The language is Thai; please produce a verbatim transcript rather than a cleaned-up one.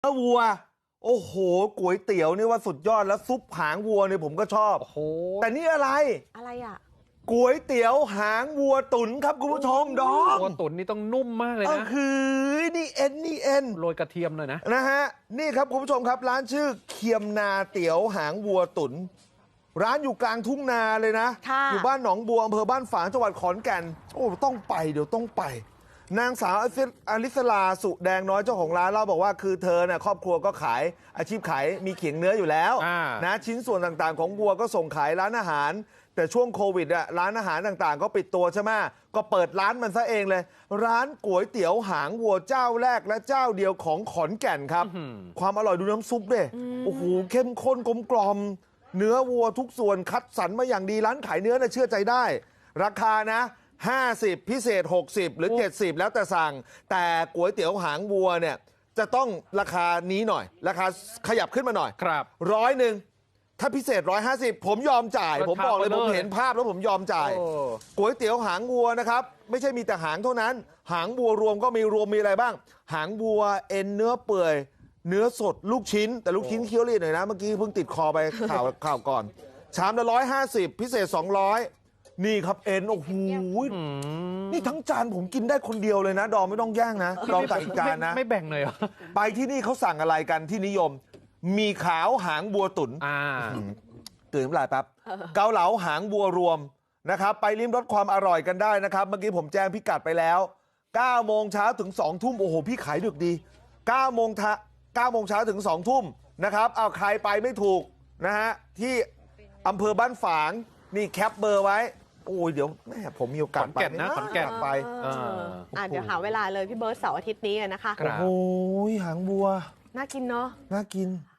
นื้อวัวโอ้โหก๋วยเตี๋ยวนี่ว่าสุดยอดแล้วซุปหางวัวเนี่ยผมก็ชอบโอ้โหแต่นี่อะไรอะไรอ่ะก๋วยเตี๋ยวหางวัวตุ๋นครับคุณผู้ชมดอมวัวตุ๋นนี่ต้องนุ่มมากเลยนะคือนี่เอ็นนี่เอ็นโรยกระเทียมเลยนะนะฮะนี่ครับคุณผู้ชมครับร้านชื่อเคียมนาเตี๋ยวหางวัวตุ๋นร้านอยู่กลางทุ่งนาเลยนะอยู่บ้านหนองบัวอำเภอบ้านฝางจังหวัดขอนแก่นโอ้ต้องไปเดี๋ยวต้องไปนางสาวอลิสลาสุแดงน้อยเจ้าของร้านเล่าบอกว่าคือเธอเนี่ยครอบครัวก็ขายอาชีพขายมีเขียงเนื้ออยู่แล้วนะชิ้นส่วนต่างๆของวัวก็ส่งขายร้านอาหารแต่ช่วงโควิดอะร้านอาหารต่างๆก็ปิดตัวใช่ไหมก็เปิดร้านมันซะเองเลยร้านก๋วยเตี๋ยวหางวัวเจ้าแรกและเจ้าเดียวของขอนแก่นครับความอร่อยดูน้ำซุปดิโอ้โหเข้มข้นกลมกล่อมเนื้อวัวทุกส่วนคัดสรรมาอย่างดีร้านขายเนื้อน่ะเชื่อใจได้ราคานะห้าสิบพิเศษหกสิบหรือเจ็ดสิบแล้วแต่สั่งแต่ก๋วยเตี๋ยวหางวัวเนี่ยจะต้องราคานี้หน่อยราคาขยับขึ้นมาหน่อยครับร้อยหนึ่งถ้าพิเศษร้อยห้าสิบผมยอมจ่ายผมบอกเลยผมเห็นภาพแล้วผมยอมจ่ายก๋วยเตี๋ยวหางวัวนะครับไม่ใช่มีแต่หางเท่านั้นหางวัวรวมก็มีรวมมีอะไรบ้างหางวัวเอ็นเนื้อเปื่อยเนื้อสดลูกชิ้นแต่ลูกชิ้นเคี้ยวเรียดหน่อยนะเมื่อกี้เพิ่งติดคอไปข่าวข่าวก่อนชามละร้อยห้าสิบพิเศษสองร้อยนี่ครับเอ็นโอ้โหนี่ทั้งจานผมกินได้คนเดียวเลยนะดอมไม่ต้องแย่งนะดอมตักอีกจานนะไม่แบ่งเลยเหรอไปที่นี่เขาสั่งอะไรกันที่นิยมมีขาวหางบัวตุ๋นอ่าตื่นน้ำลายแป๊บเกาเหลาหางบัวรวมนะครับไปลิ้มรสความอร่อยกันได้นะครับเมื่อกี้ผมแจ้งพิกัดไปแล้วเก้าโมงเช้าถึงสองทุ่มโอ้โหพี่ขายดึกดีเก้าโมงทะเก้าโมงเช้าถึงสองทุ่มนะครับเอาใครไปไม่ถูกนะฮะที่อำเภอบ้านฝางนี่แคปเบอร์ไว้โอ้ยเดี๋ยวแม่ผมมีโอกาสไปนะขอนแก่นไปอ่าเดี๋ยวหาเวลาเลยพี่เบิร์ตเสาร์อาทิตย์นี้นะคะโอ้ยหางบัวน่ากินเนาะน่ากิน